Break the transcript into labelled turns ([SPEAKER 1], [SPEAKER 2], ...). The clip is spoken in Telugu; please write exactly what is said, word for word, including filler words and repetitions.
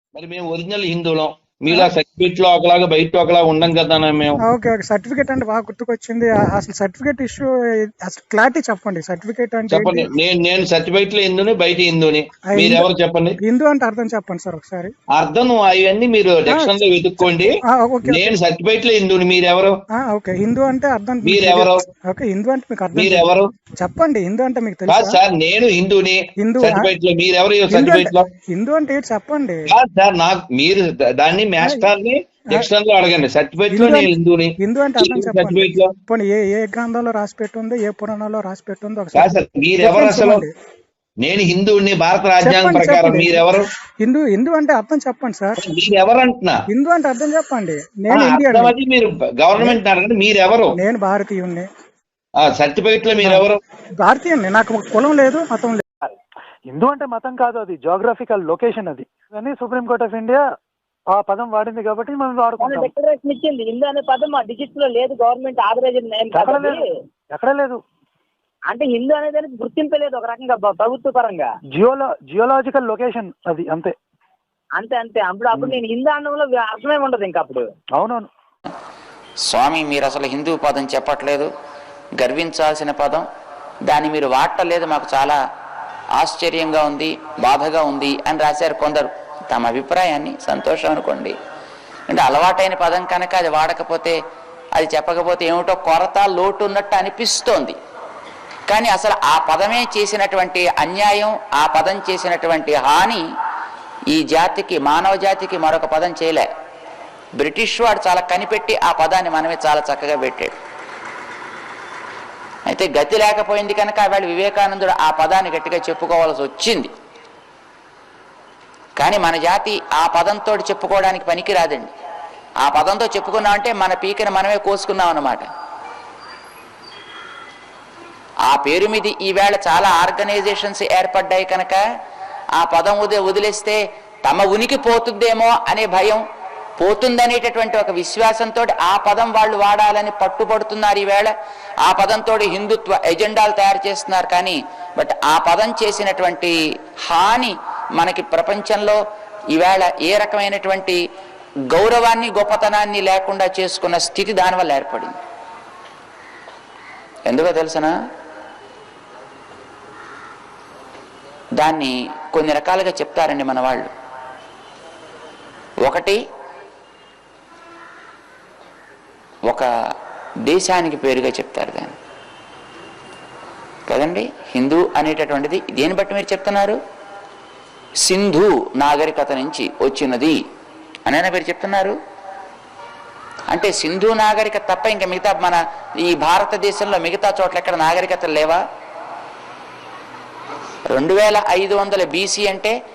[SPEAKER 1] మరి మేము ఒరిజినల్ హిందువులం, మీలా సర్టిఫికెట్ లో ఒకలాగా బయట ఒకలాగా ఉండం కదా మేము.
[SPEAKER 2] ఓకే ఓకే సర్టిఫికేట్ అంటే బాగా గుర్తుకొచ్చింది. అసలు సర్టిఫికేట్ ఇష్యూ అసలు క్లారిటీ చెప్పండి. సర్టిఫికేట్ అంటే
[SPEAKER 1] చెప్పండి. నేను నేను సర్టిఫికెట్ లో హిందుని, బయట హిందుని, మీరు ఎవరు చెప్పండి.
[SPEAKER 2] హిందూ అంటే అర్థం చెప్పండి సార్ ఒకసారి.
[SPEAKER 1] అర్థం అవన్నీ మీరు డిక్షనరీ లో వెతుక్కోండి. నేను సర్టిఫికెట్ లో హిందుని, మీరెవరు?
[SPEAKER 2] ఓకే హిందూ అంటే అర్థం
[SPEAKER 1] మీరెవరు?
[SPEAKER 2] ఓకే హిందూ అంటే మీకు అర్థం
[SPEAKER 1] మీరెవరు
[SPEAKER 2] చెప్పండి. హిందూ అంటే మీకు
[SPEAKER 1] కాదు
[SPEAKER 2] తెలుసా
[SPEAKER 1] సార్, నేను హిందూని.
[SPEAKER 2] హిందూ
[SPEAKER 1] సర్టిఫికెట్ లో మీరెవరు?
[SPEAKER 2] హిందూ
[SPEAKER 1] సర్టిఫికెట్
[SPEAKER 2] అంటే
[SPEAKER 1] లో
[SPEAKER 2] హిందూ అంటే ఏంటి చెప్పండి.
[SPEAKER 1] కాదు సార్, నాకు మీరు దాన్ని మాస్టర్ ని డిక్షనరీ లో అడగండి. సర్టిఫికెట్ లో నేను హిందూని.
[SPEAKER 2] హిందూ అంటే అర్థం చెప్పండి.
[SPEAKER 1] సర్టిఫికెట్ లో
[SPEAKER 2] పోనీ ఏ ఏ గ్రంథంలో రాసి పెట్టుందో, ఏ పురాణంలో రాసి పెట్టుందో
[SPEAKER 1] కాదు
[SPEAKER 2] ఒకసారి
[SPEAKER 1] సార్, మీరెవరు అసలు? నేను హిందువుని, భారత రాజ్యాంగం ప్రకారం. మీరెవరు?
[SPEAKER 2] హిందూ హిందూ అంటే అర్థం చెప్పండి సార్.
[SPEAKER 1] మీరెవరు అంటున్నా?
[SPEAKER 2] హిందూ అంటే అర్థం చెప్పండి. నేను
[SPEAKER 1] అర్థం
[SPEAKER 2] ఇండియన్,
[SPEAKER 1] అది మీరు గవర్నమెంట్ అడగండి. మీరెవరు?
[SPEAKER 2] నేను భారతీయుణ్ణి.
[SPEAKER 1] సర్టిఫికెట్ లో మీరెవరు?
[SPEAKER 2] భారతీయుణ్ణి. నాకు కులం లేదు, మతం లేదు.
[SPEAKER 3] హిందూ అంటే మతం కాదు, అది జోగ్రఫికల్ లొకేషన్. అది కానీ సుప్రీంకోర్ట్ ఆఫ్ ఇండియా ఆ పదం వాడింది కాబట్టి మనం వాడుకుంటాం.
[SPEAKER 4] డిక్లరేషన్ ఇచ్చింది. హిందూ అనే పదం మా డిజిట్స్ లో లేదు, గవర్నమెంట్ ఆథరైజ్డ్ నేమ్
[SPEAKER 3] ఎక్కడ లేదు, ఎక్కడ లేదు.
[SPEAKER 4] అంటే హిందూ అనేది గుర్తింపలేదు ఒక రకంగా ప్రభుత్వ పరంగా.
[SPEAKER 3] జియోలో జియోలాజికల్ లొకేషన్ అది, అంతే
[SPEAKER 4] అంతే అంతే అప్పుడు అప్పుడు నేను హిందూ అనడంలో అర్థమే ఉండదు ఇంకా అప్పుడు.
[SPEAKER 3] అవునవును.
[SPEAKER 5] స్వామి, మీరు అసలు హిందూ పదం చెప్పట్లేదు, గర్వించాల్సిన పదం, దాన్ని మీరు వాడటలేదు, మాకు చాలా ఆశ్చర్యంగా ఉంది, బాధగా ఉంది అని రాశారు కొందరు. తమ అభిప్రాయాన్ని, సంతోషం అనుకోండి. అంటే అలవాటైన పదం కనుక అది వాడకపోతే, అది చెప్పకపోతే ఏమిటో కొరత, లోటు ఉన్నట్టు అనిపిస్తోంది. కానీ అసలు ఆ పదమే చేసినటువంటి అన్యాయం, ఆ పదం చేసినటువంటి హాని ఈ జాతికి, మానవ జాతికి మరొక పదం చేయలే. బ్రిటిష్ వాడు చాలా కనిపెట్టి ఆ పదాన్ని మనమే చాలా చక్కగా పెట్టాడు. అయితే గతి లేకపోయింది కనుక వాళ్ళు వివేకానందుడు ఆ పదాన్ని గట్టిగా చెప్పుకోవాల్సి వచ్చింది. కానీ మన జాతి ఆ పదంతో చెప్పుకోవడానికి పనికి రాదండి. ఆ పదంతో చెప్పుకున్నామంటే మన పీకని మనమే కోసుకున్నాం అన్నమాట. ఆ పేరు మీద ఈవేళ చాలా ఆర్గనైజేషన్స్ ఏర్పడ్డాయి కనుక ఆ పదం వదిలే వదిలేస్తే తమ ఉనికి పోతుందేమో అనే భయం, పోతుందనేటటువంటి ఒక విశ్వాసంతో ఆ పదం వాళ్ళు వాడాలని పట్టుబడుతున్నారు. ఈవేళ ఆ పదంతో హిందుత్వ ఎజెండాలు తయారు చేస్తున్నారు. కానీ బట్ ఆ పదం చేసినటువంటి హాని మనకి ప్రపంచంలో ఈవేళ ఏ రకమైనటువంటి గౌరవాన్ని, గొప్పతనాన్ని లేకుండా చేసుకున్న స్థితి దానివల్ల ఏర్పడింది. ఎందుకో తెలుసనా? దాన్ని కొన్ని రకాలుగా చెప్తారండి మన వాళ్ళు. ఒకటి, ఒక దేశానికి పేరుగా చెప్తారు దాన్ని కదండి. హిందూ అనేటటువంటిది దేని బట్టి మీరు చెప్తున్నారు? సింధు నాగరికత నుంచి వచ్చినది అని మీరు చెప్తున్నారు. అంటే సింధు నాగరికత తప్ప ఇంకా మిగతా మన ఈ భారతదేశంలో మిగతా చోట్ల ఎక్కడ నాగరికతలు లేవా? రెండు వేల ఐదు వందల బీసీ అంటే